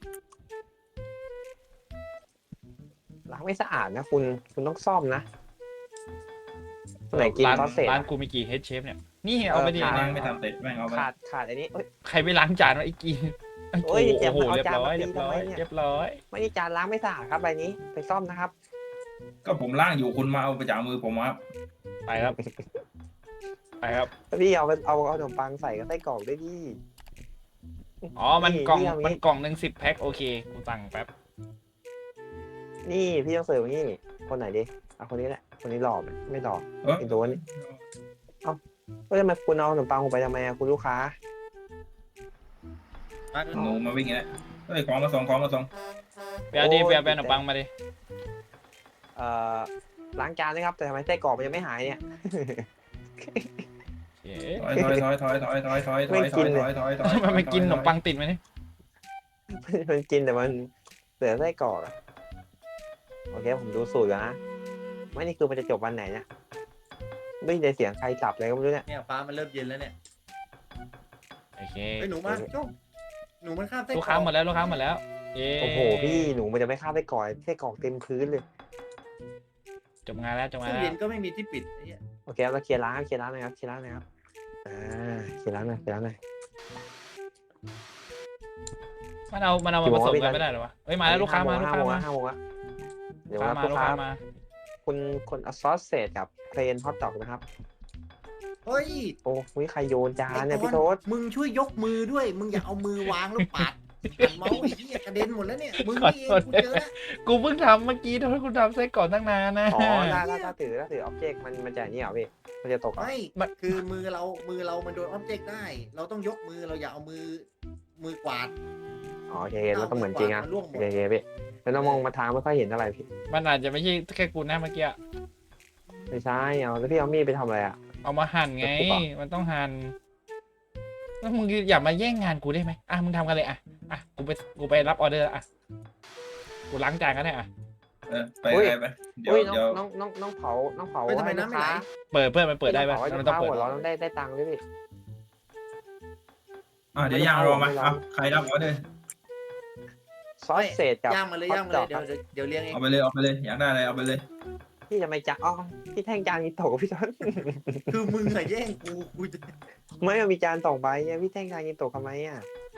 D: ล้างไม่สะอาดนะคุณคุณต้องซ่อมนะคนไหนกิน
B: ร้าน
D: ซอสเศษ
B: ร้านกูมีกี่เฮดเชฟเนี่ยนี่เอาไปดิ
D: เออ
C: นั่งไม่ทำเสร็จแม่งเอาไป
D: ขาดขาดอันนี้เอ้ย
B: ใครไปล้างจานวะไอ้กีน
D: โอ้ย
B: โอ้โห
D: เจ็บ
B: เรียบร้อย
D: เอาจานมาตี
B: เรียบร้อย
D: ทำไมเนี่ย
B: เรียบร้อย
D: ไม่ได้จานล้างไม่สะอาดครับใบนี้ไปซ่อมนะครับ
C: ก็ผมล่างอยู่คุณมาเอาไปจากมือผมครับ
B: ไปครับไปครับ
D: พี่เอาไปเอาเอาขนมปังใส่กับไส้กรอกด้วยดิ
B: อ๋อมันกล่อง
D: พี่เอางี้
B: มันกล่องหนึ่งสิบแพ็คโอเคกูสั่งแป๊บ
D: นี่พี่ต้องเสิร์ฟอย่างนี่คนไหนดิเอาคนนี้แหละคนนี้หล่อไหมไม่หล่อ
C: เออ
D: ไอ้ตัวนี้ก็จะมาคุณเอาขนมปังผมไปทำไมอะคุณลูกค้า
A: มา
C: หนูมาวิ่งอย่างนี้เฮ้ยของมาส่งของมาส่ง
B: ไปเอาดิ
D: โอ้ย
B: ไปเอาไปเอาขนมปังมาดิ
D: เอ่อล้างจานนะครับ แต่ทำไมไส้กรอกมันยังไม่หายเนี่ย
B: เอ๊
C: ถอยถอยถอยถอยถอยถอยถอยถอยถอยถอยถอยถอย
B: ะมันไม่กินขนมปังติดไหมนี่
D: มันกินแต่มันเสือไส้กรอกอะโอเคผมดูสูตรก่อนนะไม่นี่คือมันจะจบวันไหนเนี่ยไม่ได้เสียงใครจับเลยก็ไม่รู้เนี่ย
A: เนี่ยฟ้ามันเริ่มเย็นแล้วเนี่ย
B: โอเค
A: ไอ้ยหนูมาโจ้หนูมันข้ามไส้กร
B: ลู
A: อก
B: ค้าหมดแล้วลูกค้าหมดแล้วเย้
D: โอ้โหพี่หนูมันจะไม่ฆ่าไส้กรอกไส้กรอกเต็มพื้นเลย
B: จบงานแล้วจบงาน
A: ตู้
B: แล้
A: เย็
B: วน
A: ก็ไม่มีที่ปิดไอ้เหี้ย
D: โอเคเราเคลียร์ร้านเคลียร์ร้านหนะครับเคลียร์ร้านหนะครับอ่าเคลียร์ร้านหน่อยเคลียร์ร้านหน่อย
B: มันเอามันเอามาผสมกันไม่ได้หรอวะเฮ้ยมาแล้วลูกค้ามาลูก
D: ห้า
B: ค้า
D: โมง
B: มา
D: ห้าโมงละเดี๋ยว
B: ลูกค้า
D: ว่า
B: มา
D: ลูก
B: ลูก
D: ค้า
B: ค้ามา
D: คุณคนเอาซอสเศษกับเพลนฮอทดอกนะครับ
A: เฮ้ย
D: โอ้ยใครโยนจานเนี่ย
A: ไอ้
D: พี่
A: ต
D: โท
A: อ
D: ษ
A: มึงช่วยยกมือด้วย มึงอย่าเอามือวางแล้วปาดหันเมาส์ไอ้เหี้ยกระเด็นหมดแล้วเนี่ยมึงนี่เองกูเจอแล้ว
B: กูเพิ่งทำเมื่อกี้ทำให้คุณทำไส้กรอกตั้งนานนะ
D: อ๋อถ้าถ้าถ้าถือถ้าถืออ็อบเจกต์มันมันจะนี่เหรอพี่มันจะตกเหรอ
A: ไม่คือมือเรามือเรามันโดนออบเจกต์ได้ เราต้องยกมือเราอย่าเอามือมือกวาด
D: อ๋อโอเคมันต้องเหมือนจริงอะ
A: มันร่วงหม
D: โอ
A: ด
D: เคโอเคพี่แล้วน้องมองมาทางไม่ค่อยเห็นอะไรพี่
B: มันอาจจะไม่ใช่แค่กูนะเมื่อกี้
D: ไม่ใช่เอาแล้วพี่เอามีดไปทำอะไรอะ
B: เอามาหั่นไง มันต้องหั่นแล้วมึงอย่ามาแย่งงานกูได้ไหมอ่ะมึงทำกันเลยอ่ะอ่ะกูไปกูไปรับออเดอร์อ่ะกูล้างจานก็ได้อ่ะ
C: เออไปไปไปเดี๋ยว
D: อุ้ยน้อง
C: เดี๋ยว
D: น้องน้องน้องเผาน้องเผา
A: เฮ้ยทำไม
D: ให้ลู
A: น้ำ
D: ก
A: ไม่ไหล
D: ค้า
B: เปิดเพื่อนมันเปิดได้ปะ
D: ให้ลู
B: มัน
D: ก
B: ต้อง
D: ค้า
B: เปิด
D: หัวเราะต้องได้ได้ตังค์ด้วยพี่
C: อ่ะเดี๋ยวย่างรอมาเอาใครรับออเดอร์
D: ซอสเศษกับ
A: ย่างมาเลยย่างมาเลยเดี๋ยวเดี๋ยวเดี๋ยวเลี้ยงเอง
C: เอาไปเลยเอาไปเลยอยากได้อะไรเอาไปเลย
D: พี่จะไม่จานอ๋อพี่แท่งจานกินโตะกับพี่ต้น
A: คือมึงอะแย่งกูกูจะ
D: ไม่มันมีจานสองใบเนี่ยพี่แท่งจานกินโตะทำไมอ่ะ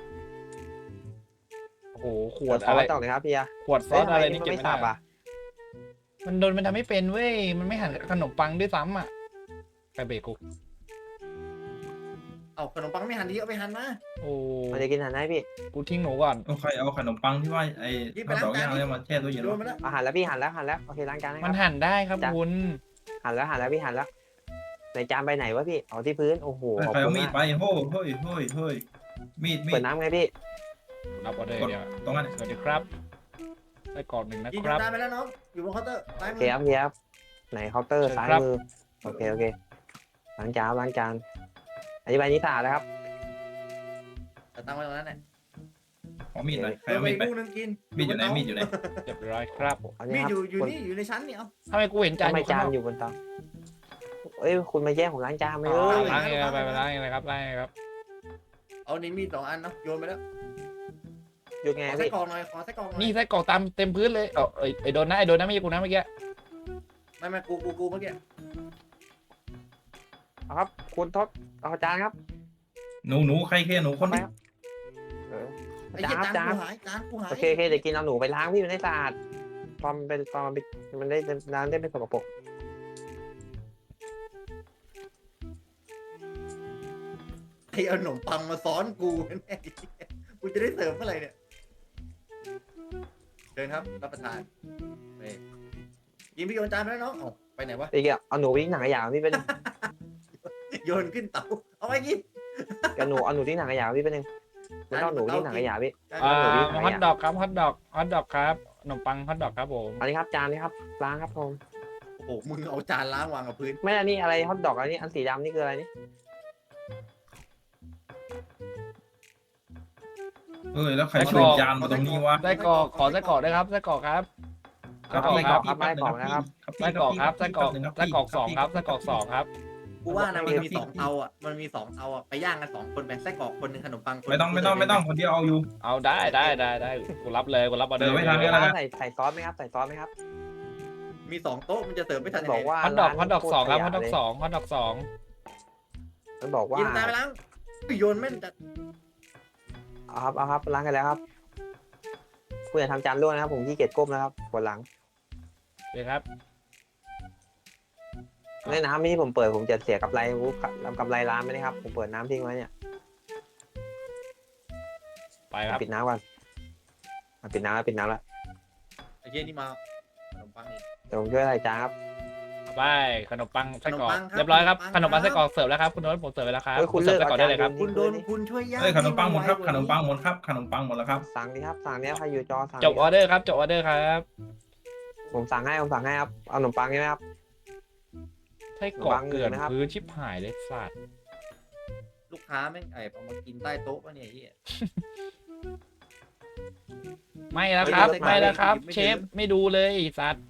B: โอ้โหข
D: ข
B: ว
D: ว
B: ด
D: ด
B: อะไร
D: ต่อเลยครับพี่อะ
B: ขวดซอสอะไรนี่
D: มัน
B: เก็บ
D: ไม่
B: ไม่
D: สั
B: ได้
D: บอ่ะ
B: มันโดนมันทำไม่เป็นเว้ยมันไม่หั่นขนมปังด้วยซ้ำอ่ะไปเบรกกู
A: เอาขนมปังไม่หั่นดีเอาไปหั่นมา
B: โอ้
D: มันจะกินทันไหมพี่
B: กูทิ้งหนูก่อน
C: โอเคเอาขนมปังที่ว่าไอ้ข้าวดอกย่างเนี่ยมาแช่ตู้เย็น
A: โด
C: ไว้
A: นมาแล้ว
D: อาหารแล้วพี่หั่นแล้วหั่นแล้วโอเคล้างจานนะค
B: มั
D: รั
B: น
D: บ
B: หั่นได้ครับ
D: จ้ะ
B: คุณ
D: หั่นแล้วหั่นแล้วพี่หั่นแล้วในจานใบไหนวะพี่เอาที่พื้นโอ้โหขอบ
C: ใคร
D: คุ
C: เอา
D: ณ
C: มีด
D: มาก
C: ไปโฮ้ยเฮ้ยเฮ้ยเฮ้ยมีดมี
D: เปิ
C: ด
D: ดน้ำไงพี่
B: รับออเดอร์
C: กด
B: เดียว
C: ตรงนั้น
B: สวัสดีครับได้กล่องหนึ่งนะ
A: กิน
B: ครับ
A: จานไปแล้วน้องอยู่บนเคาน์เตอร์ซ้าย
D: โอ
A: มื
D: เคครับพี่ครับไหนเคาน์เตอร์
B: เชิญ
D: ซ้าย
B: ครับ
D: มือโอเคโอเคล้างจานล้างจานอธิบายนี้สะอาดแล้วครับ
A: แต่ตั้งไว้ตรงนั้นแหละ
C: ขอมีดหน่อยใคร
A: เออ
C: เอา
A: ไป
C: มีดไป
A: ลูกนึงกิน
C: มีดอยู่ไหนมีดอยู่ไหน
B: เรียบร้อยครับ
D: เอา
A: มี
D: เนี่ย
A: ด
D: ครับ
A: อยู่อยู่
D: คุณ
A: นี่อยู่ในชั้นนี่เอา
B: ทำไมกูเห็นจาน
D: ทำไม
B: อยู่
D: จา
B: ข้าง
D: น
B: นอก
D: อยู่บนเตาเอ้ยคุณมาแย่งผมล้างจานไหม
B: อ่
D: เอ้
B: าย ล้างเองครับไปไปล้างเองเลยครับล้างเองครับ
A: เอานี่มีดสองอันเนาะโยนไปแล้ว
D: หยุดไง
A: ขอไส้
D: พี่
A: กรอกหน่อยขอไส้กรอกหน่อย
B: นี่ไส้กรอกตามเต็มพื้นเลยเออไอ้ไอ้โดนนะไอ้โดนนะไม่ใช่กูนะเมื่อกี้
A: ไม่ไม่กูกูกูเมื่อกี้
D: เอาครับคุณทศเอาจานครับ
C: หนูหนูใครแค่หนูคนนี้
D: เออ
A: ไอ้เหี้ย
D: จาน
A: จาน
D: จาน
A: กูหายจานกูหาย
D: โอเคโอเคเดี๋ยวกินเอาหนูไปล้างพี่มันได้สะอาดตอนมันเป็นตอนมันเป็นมันได้น้ำได้เป็นสกปรก
A: ไอ้เอาขนมปังมาซ้อนกูแน่กูจะได้เสิร์ฟเมื่อไหร่เนี่ยเชิญครับรับประทานไปยิงพี่โยนจานไปแล้วน้องเอาไปไหนวะ
D: อีกอ่ะเอาหนูไปทิ้งถังขยะพี่เป็น
A: โยนขึ้นเตาเอาไปกิน
D: เอาหนูเอาหนูทิ้งถังขยะพี่เป็นหนึ่งมันต้องหนูทิ้งถังขยะพี่
B: อ่า
D: หนูวิ่งไปอ่ะ
B: ฮอทดอกครับฮอทดอกฮอทดอกครับขนมปังฮอทดอกครับผม
D: อันนี้ครับจานนี้ครับล้างครับผม
A: โอ้โหมึงเอาจานล้างวางกับพื้น
D: ไม่อันนี้อะไรฮอทดอกอันนี้อันสีดำนี่คืออะไรนี่
C: เออแล้วใครเสิร์ฟจานมาตรงนี้วะ
B: ไส้กรอกขอไส้กรอกด้วยครับไส้กรอกครับ ไส้กรอกครับ
D: ครับไม่กรอกนะครับ
B: ไส้กรอกครับไส้กรอกไส้กรอกสองครับไส้กรอกสองครับ
A: กูว่านะมันมีสองเตาอ่ะมันมีสองเตาอ่ะไปย่างกันสองคนไปไส้กรอกคนหนึงขนมปังคนหนึ่
C: ไม่ต้องไม่ต้องไม่ต้องคนเดียวเอาอยู่
B: เอาได้ได้ได้ได้กูรับเลยกูรับออเดอร์
C: เดี๋ยวไว้ทำ
B: เล
C: เดี๋
B: ย
C: ยว
D: ใส่ใส่ซอสไหมครับใส่ซอสไหมครับ
A: มีสองโต๊ะมันจะเสิร์ฟไม่ทันยัง
D: บ
A: ไง
D: อกว่า
B: ฮอทดอกฮอทดอกสองครับฮอทดอก
D: เลย
B: สองฮอทดอกสอง
D: มันบอกว่า
A: กินตายไปล้างโยนแม่นจัด
D: เอาครับเอาครับล้างกันแล้วครับคุณอย่าทำจานร่วงนะครับผมขี้เกียจก้มนะครับปวดหลัง
B: เลยครับ
D: ในน้ำนี่ผมเปิดผมจะเสียกำไรกำไรร้านไหมนะครับผมเปิดน้ำทิ้งไว้เนี่ย
B: ไปครับ
D: ปิดน้ำก่อนอ่ะปิดน้ำแล้วปิดน้ำแล้ว
A: ไอ้เหี้ยนี่มาขนมปังอีก
D: เดี๋ยวผมช่วยใส่จานครับ
B: ไปขนมปังไส้กรอก
A: ขนมปังครับ
B: เรียบร้อยครับข
A: ข
B: น
A: น
B: ม
A: มปั
B: ปัง
A: ง
B: ไส้กรอกเสิร์ฟแล้วครับคุณโน้ตผมเสิร์ฟไปแล้วครับ
D: เฮ้ยคุณ
B: เสิร์ฟ
D: เลิ
B: ไส้
D: ก
B: กรอกได้เลยครับ
D: เอาจาน
A: คุณโดนคุณช่วยย่าง
C: เอ้ยขนมปังหมดครับ
A: ไว
C: ขนมปังหมดครับขนมปังหมดแล้วครับ
D: สั่งดิครับสั่งเนี้ยใครอยู่จอสั่ง
B: จบออเดอร์ครับจบออเดอร์ครับ
D: ผมสั่งให้ผมสั่งให้ครับเอาขนมปังใช่ไหมครับ
B: ไส้กรอก
D: วางเงิน
B: เกลื่อน
D: นะครับ
B: พื้นชิบหายเลยสัตว์
A: ลูกค้าแม่งไอ้เอามากินใต้โต๊ะวะเนี่ยไอ้เหี้ย
B: ไม่แล้วครับ
A: เฮ้ย
B: ไม่แล้วครับ
A: ไม่
B: เช
A: ถึง
B: ฟไม่ดูเลยไอ้สัตว์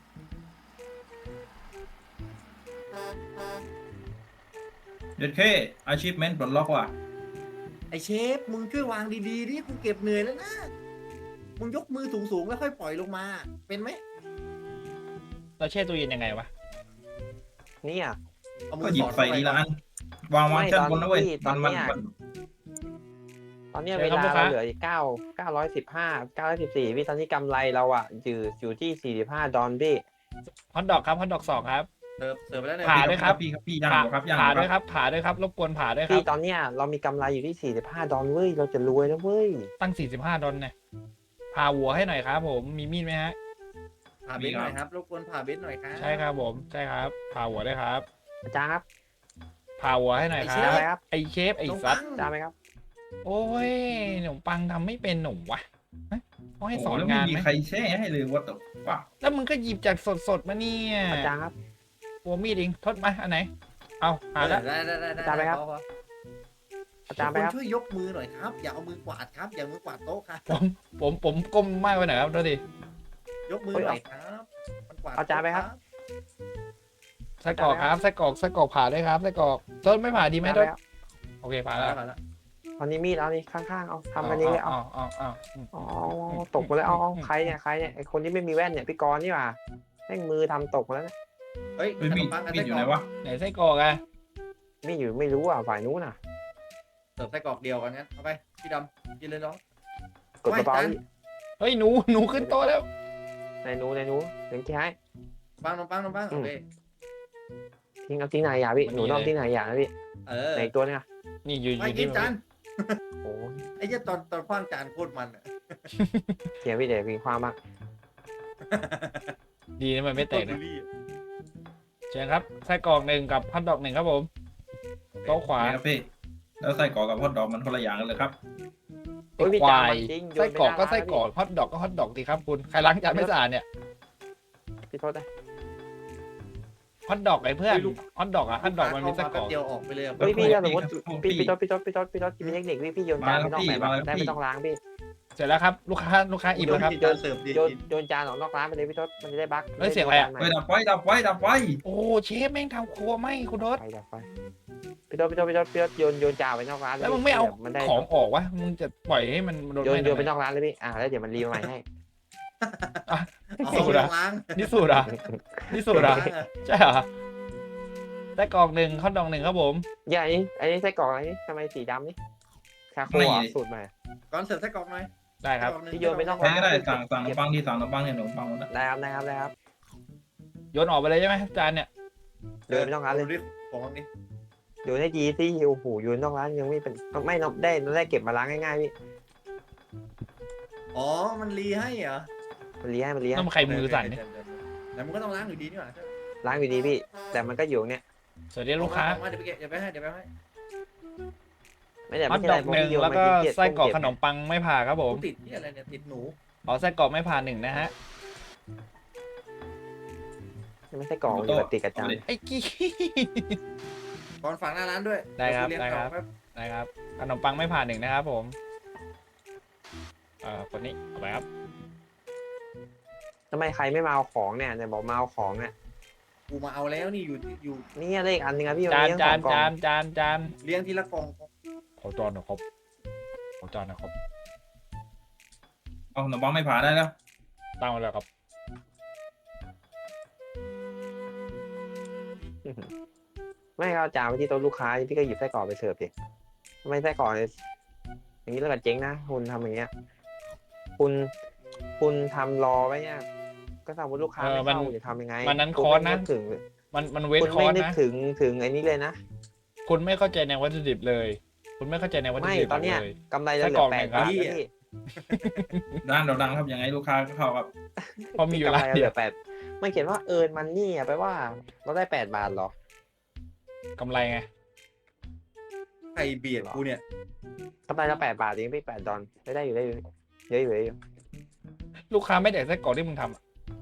C: เด็ดแค่อาชีพเมนปลดล็อกว่ะ
A: ไอ้เชฟมึงช่วยวางดีๆดิกูเก็บเหนื่อยแล้วนะมึงยกมือสูงๆแล้วค่อยปล่อยลงมา เป็นไหม
B: เราแช่ตู้เย็นยังไงวะ
D: เนี่ย
A: เอามื
C: ก็
A: อ
C: หยิ
A: ส
C: บ
A: อด
C: ใส่ทีละอันวางวางชั้นบนนะเว้ยมันมันมัน
D: ตอนเนี้ย
B: เชิ
D: เว
B: ญครับ
D: ลา
B: ลูกค้า
D: เราเหลืออีกเก้าเก้าร้อยสิบห้าเก้าร้อยสิบสี่พี่ตอนนี้กำไรเราอ่ะอยู่อยู่ที่สี่สิบห้าดอลพี่
B: ฮอทดอกครับฮอทดอกสองครับ
A: เสิร์ฟเสิร์ฟไปแล้วเนี่ย
B: ผ่าด้วยครับ
C: พี่ครับพี่ย่างอยู่ครับย่างอ
B: ผ่า
C: ยู่
B: ด้วย
C: ค
B: ครับ รับผ่าด้วยครับรบกวนผ่าด้วยครั
D: พี่
B: บ
D: ตอนเนี้ยเรามีกำไรอยู่ที่สี่สิบห้าดอลเว้ยเราจะรวยแล้วเว้ย
B: ตั้งสี่สิบห้าดอลเนี่ยผ่าหัวให้หน่อยครับ ผมมีมีดไหมฮะ
A: ผ่าเบนซ์หน่อยครับรบกวนผ่าเบนซ์หน่อยครับ
B: ใช่ครับผมใช่ครับผ่าหัวได้วยครับ
D: อาจารย์ครับ
B: ผ่าหัวให้หน่อยค
D: จาน
B: รับ
D: ไหมครับ
B: ไอเชฟไอ
A: ขนม
B: สั
A: ปั
B: ต
A: ง
B: ว์
D: จานไหมครับ
B: โอ้ยขนมปังทำไม่เป็นหนุ่มวะฮะเขาให้สอน
C: โโแล้ว
B: งาน
C: ไม่มี
B: ไหม
C: ใครแช่ให้เลยว่าแต่ว่า
B: แล้วมึงก็หยิบจากสดๆมาเนี่ย
D: อาจารย์ครับ
B: หัวมีดเองทดมาอันไหนเอาผ่าแล้ว
A: ได้ได้ได้ได้
D: จานไหมครับ
A: พอพอ
D: อาจารย์ไหมครับ
A: ณช่วยยกมือหน่อยครับ อย่าเอามือกวาดครับ อย่ามือกวาดโต๊ะครับ
B: ผมผมก้มมากไปหน่อยครับดูดิ
A: ยกมือหน่อยครับมันกวาด
D: เอาจานไหมครับ
B: ไส้กรอกครับไส้กรอกไส้กรอกผ่าด้วยครับไส้กรอกต้นไม่ผ่าดีไหม
D: จานไห
B: ต้
D: ม
B: น
D: ครับ
B: โอเคผ่า
A: ผ่า
B: แล้
A: แล้ว วผ่าแล้ว
D: เอานี้มีดเอานี่ข้างๆเอาทำกันนี้เลยเอา
B: เอาเอาเอา
D: อ๋อตกไปแล้วเอาเอาใครเนี่ยใครเนี่ยไอคนที่ไม่มีแว่นเนี่ยพี่กรณ์นี่หว่าแม่งมือทำตกแล้วนะ
A: เฮ้ย
C: เฮ้ย
A: ขน
C: มี
A: ม
C: ด
A: ปังกับ
C: มี
A: ไส้
C: ดอก
A: ร
C: ยู่
A: อ
C: ไหน
A: ก
C: วะ
B: ไหนไส้กรอกอะ
D: ไม่อยู่ไม่รู้อ่ะฝ่ายนู้นน่ะ
A: เสิร์ฟไส้กรอกเดียวกันงั้นเอาไปพี่ดำกินเลยน้อง
D: กดกระเป๋า
A: ไม่ทัน
D: พี่
B: เฮ้ยหนูหนูขึ้นโต๊ะแล้ว
D: ในนู้นในนู้นถึงที่ให้
A: ปังนมปังนมปัง
D: อื
A: โอ
D: ม
A: เค
D: ทิ้งเอาทิ้งไหนอย่าพี่หนูน้อมทิ้งไหนอย่านะพี่
A: เออ
D: ในตัวเนี่ย
B: นี่อยู่อ
A: ไป
B: ยู่
A: กิ
B: ที่
A: นจาน
D: โอ้
A: ไอ้เหี้ยตอนตอนคว้างจานโคตรมันอะ
D: เขียนพี่เดี๋ยวพี่ความมาก
B: ดีนะมันไม่แตก
A: โคตรบู
B: นะ
A: ลลี่อะ
B: เชิญครับไส้กรอกหนึ่งกับฮอทดอกหนึ่งครับผมโต๊ะขวา
C: นี่ครับพี่แล้วไส้กรอกกับฮอทดอกมันคนละอย่างกันเลยครับ
D: โอ้ยพี่
B: ควา
D: จาย มันจริงโย
B: ไส้
D: นไป
B: กรอก
D: หน้า
B: ก็
D: ร้าน
B: ไส้กรอก
D: แล้ว
B: ฮอทดอกก็ฮอทดอกดีครับคุณใครล้างจานไม่สะอาดเนี่ย
D: พี่พี่โทษนะ
B: ฮอทดอกไอ้เพื่อนฮอทดอกอะฮอทดอกมันมีไส้กรอก
A: เดียวออกไปเลยอะ
D: เฮ้ยพี่ถ้าสมมติ
C: พี่
D: พี่พี่โทษพี่โทษพี่โทษพี่โทษมีเทคนิคพี่พี่โยนจาน
C: มา
D: ไม่
C: แล้ว
D: ต้อง
C: พี่
D: แบบ
C: มาแล้ว
D: ได้
C: พี่
D: ไม่ต้องล้างพี่
B: เสร็จแล้วครับลูกค้าลูกค้าอิ่มแล้วครับ
A: จานเสิร์ฟดี
D: โยน
A: กิน
D: โยนจานออกนอกร้านไปเลยพี่โทษมันจะได้บั๊ก
B: เฮ้ยเสียงอะไรอะ
C: เฮ้ยดับไฟดับไฟดับไฟ
B: โอ้เชฟแม่งทำครัวไหมคุณทศ
D: ไปดับไฟพี่โทษพี่โทษพี่โทษพี่โทษโยนโยนจานไปนอกร้านเลย
B: แล้วมึงไม่เอา
D: มันได้
B: ของออกวะมึงจะปล่อยให้มันโดน
D: โยน
B: ไหม้
D: โยนไป
B: ทำไม
D: นอกร้านเลยพี่อ่าแล้วเดี๋ยวมันรีมาใหม่ให้
A: เอา
B: สูตร
A: ไป
B: อะ
A: ล้าง
B: นี่สูตรอะนี่สูตรอะ
A: ล้างอะ
B: ใช่เหรอไส้กรอกหนึ่งฮอทดอกหนึ่งครับผม
D: อย่าอันนี้อันนี้ไส้กรอกอะไรนี่ทำไมสีดำนี่คาโคอ่ะสูตรใหม่
A: ก่อนเสิร์ฟไส้กรอกหน่อย
B: ได้ครับ
A: ไส้กอกหง
D: พี่โยนไปนอก
C: ใครก็ได้สั่งสั่งขนมปังที่สั่งขนมปังเนี่ยขนมปังหมดนะ
D: ได้ครับได้ครับได้ครับ
B: โยนออกไปเลยใช่ไหมจานเนี่ย
D: โยนไปนอกร้านเลย
A: ดูดิของนี่
D: โยนให้ดีสิโอ้โหโยนนอกร้านยังไม่เป็นไม่นอกได้ได้เก็บมาล้างง่ายๆพี่
A: อ๋อมันรีให้เหรอ
D: มันเลี้ยให้มันเลี้ย
B: ต้องใครมือสั่นเนี่ย
A: แต่มันก็ต้องล้างอยู่ดีนี่หว่า
D: ล้างอยู่ดีพี่ แต่มันก็อยู่เนี่ย
B: สวัสดีลูกค้า
A: เอมาเดี๋ยวไปเก็บเดี๋ยวไปให้เดี๋ยวไปให้
D: ไม่แต่
B: ฮอ
D: ไม่
B: ท
D: ใช่
B: ด
D: อะไร
B: อกหนึ่ง
D: เพราะพี่โยน
B: แล้ว
D: มา
B: ก็
D: ขี้เกียจ
B: ไส้กรอก
D: ต้
B: ข
D: ม
B: นมปังไม่ผ่าครับผม
A: กูติดที่อะไรเนี่ยติดหนู
B: ขอไส้กรอกไม่ผ่าหนึ่งนะฮะ
D: ไม่ใช่กรอกมันอยู่แบบติดกับจาน
B: ไอ้กี้
A: ก่อนฝากหน้าร้านด้วย
B: ได้ครับ
A: เยวกูเลี้ยง
B: ได้ครับ
A: ต่อแป๊
B: นะครับขนมปังไม่ผ่าหนึ่งนะครับผมเอ่อคนนี้เอาไปครับ
D: ทำไมใครไม่มาเอาของเนี่ยเนี่ยบอกมาเอาของเนี่ย
A: กูมาเอาแล้วนี่อยู่อยู่
D: นี่เลขอันหนึงอะพี่
B: จาน
D: เลี้ยง
B: จาน
D: สองกล่อง
B: จานจานจาน
A: เลี้ยงทีละกล่อง
B: ขอจานหน่อยครับขอจานหนะครับ
C: เอาขนมปังไม่ผ่าได้แล้ว
B: ตั้งไว้แล้วครับ
D: ไม่เอาจานไปที่โต๊ะลูกค้าพี่ก็หยิบไส้กรอกไปเสิร์ฟดิทำไมไส้กรอกเนี่ยอย่างนี้แล้วก็เจ๊งนะคุณทำอย่างเงี้ย คุณคุณทำรอไว้เนี่ยก็สมมติลูกค้า
B: เออ
D: ไม่
B: มัน
D: เข้าจะทำยังไง
B: มันนั้น
D: คุณ
B: คอร์ส
D: ไม่
B: นะ
D: นึกถึง
B: มันมันเว้น
D: คุณ
B: คอ
D: ไม่
B: ร์ส
D: นึก
B: นะ
D: ถึงถึงไอ้นี้เลยนะ
B: คุณไม่เข้าใจในวัตถุดิบเลย คุณไม่เข้าใจในวัตถุ
D: ไม่
B: ดิบ
D: ตอนเนี้ย
B: เลย
D: กำไรเราเหลื
B: ไส้กรอ
D: อก แปด
B: หนึ่งครับ
D: บาทแล้วพี่
C: ร้านเราดังครับยังไงลูกค้าก็เข้าครับ
B: เพราะมีอยู่
D: กำ
B: ร้า
D: ไร
B: น
D: เรา
B: เดี
D: เห
B: ย
D: ลื
B: ว
D: อแปดมันเขียนว่าเอิร์นมันนี่อะแปลว่าเราได้แปดบาทเหรอก
B: ำไรไง
A: ใครเบียดกูเนี่ย
D: กำไรเราแปดบาทเองพี่แปดดอลได้ได้อยู่ได้อยู่เยอะอยู่เยอะอยู่
B: ลูกค้าไม่แดกไส้กรอกที่มึงทำอะ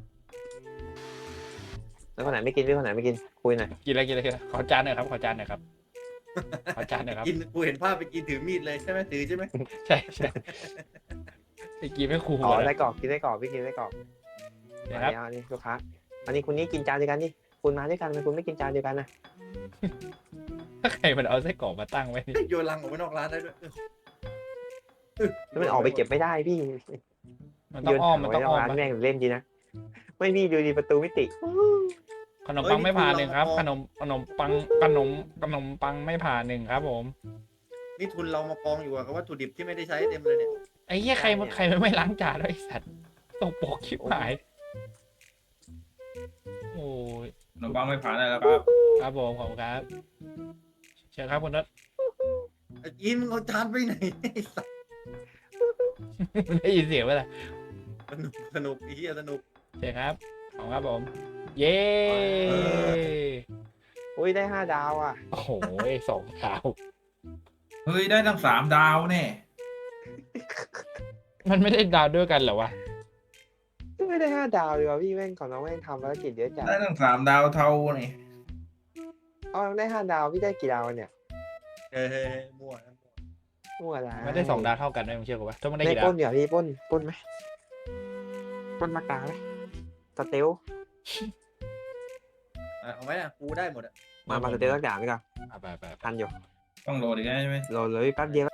D: แล้วคนไหนไม่กินพี่คนไหนไม่กินคุยหน่อย
B: กินอะไรกินอะไรกินอะไรขอจานหน่อยครับขอจานหน่อยครับขอจานหน่อยครับ
A: กินกูเห็นภาพไปกินถือมีดเลยใช่ไหมถือใช่ไหม
B: ใช่ใช่ไอ้กีไม่คูล
D: อ๋อ
B: อะ
D: ได้กรอกกินได้กรอกพี่กินได้กรอก
B: นะ
D: อัน
B: ครับ
D: นี้อันนี้ลูกค้าอันนี้คุณนี่กินจานเดียวกันนี่คุณมาด้วยกันทำไมคุณไม่กินจานเดียวกันนะ
B: ถ้าใครมันเอาไส้กรอกมาตั้งไว้นี่
A: โยนลังออกไปนอกร้านได้ด้วยเออ
D: แล้วมันออกไปเก็บไม่ได้พี่
B: มันต้องอ้อมมัน
D: ไว้
B: ต้อง
D: นอก
B: อ้อม
D: ร้าน
B: ปะ
D: แม่งเล่นดีนะไม่พี่ดูดีประตูมิติ
B: ขนมปังไม่ผ่าหนึ่งครับ ขนมขนมปังขนมขนมปังไม่ผ่าหนึ่งครับผม
A: นี่ทุนเรามากองอยู่กับวัตถุดิบที่ไม่ได้ใช้เต็มเลยเนี่ย
B: ไอ้เหี้ยใครมันใครมันไม่ล้างจานด้วยไอ้สัตว์ตกปกชิบหายโอ้ย
C: ขนมปังไม่ผ่าได้แล้วครับ
B: ครับผมขอบคุณครับเชิญครับคุณนัท
A: ไอ้กินมึงเอาจานไปไหนไอ้สัส
B: ได้ยินเสียงไหมล่ะ
A: สนุกสนุกไอ้เหี้ยสนุก
B: เชิญครับขอบคุณครับผม เย้
D: อุ้ยได้ห้าดาวอ่ะ
B: โอ้โหสองดาว
C: เฮ้ยได้ตั้งสามดาวแน่
B: มันไม่ได้ดาวด้วยกันเหรอวะ
D: ไม่ได้ห้าดาวเลยว่ะพี่แม่งของน้องแม่งทำภารกิจเยอะจัด
C: ได้ตั้งสามดาวเท่านี่
D: เอาได้ห้าดาวพี่ได้กี่ดาวเนี่ย
A: เฮ้ยเฮ้ยเฮ้ยมั่วนะมั่ว
D: มั่วละ
B: ไม่ได้สองดาวเท่ากันด้วยมึงเชื่อกูปะถ้ามึงได้
D: ได้
B: กี่
D: ป
B: ดา
D: ล้
B: วน
D: เดี๋ยวพี่ปล้นปล้นไหมปล้นมากลางไหมสเตล
A: อ่ะเอาไหมอ่ะกูได้หมดอ่ะ
D: มามาสเตลสักอย่างดีกว่า
B: อ่ะไปไปไป
D: ทันอยู่
C: ต้องโหลดอีกแล้วใช่ไหม
D: โหลดเลยแป๊บเดียว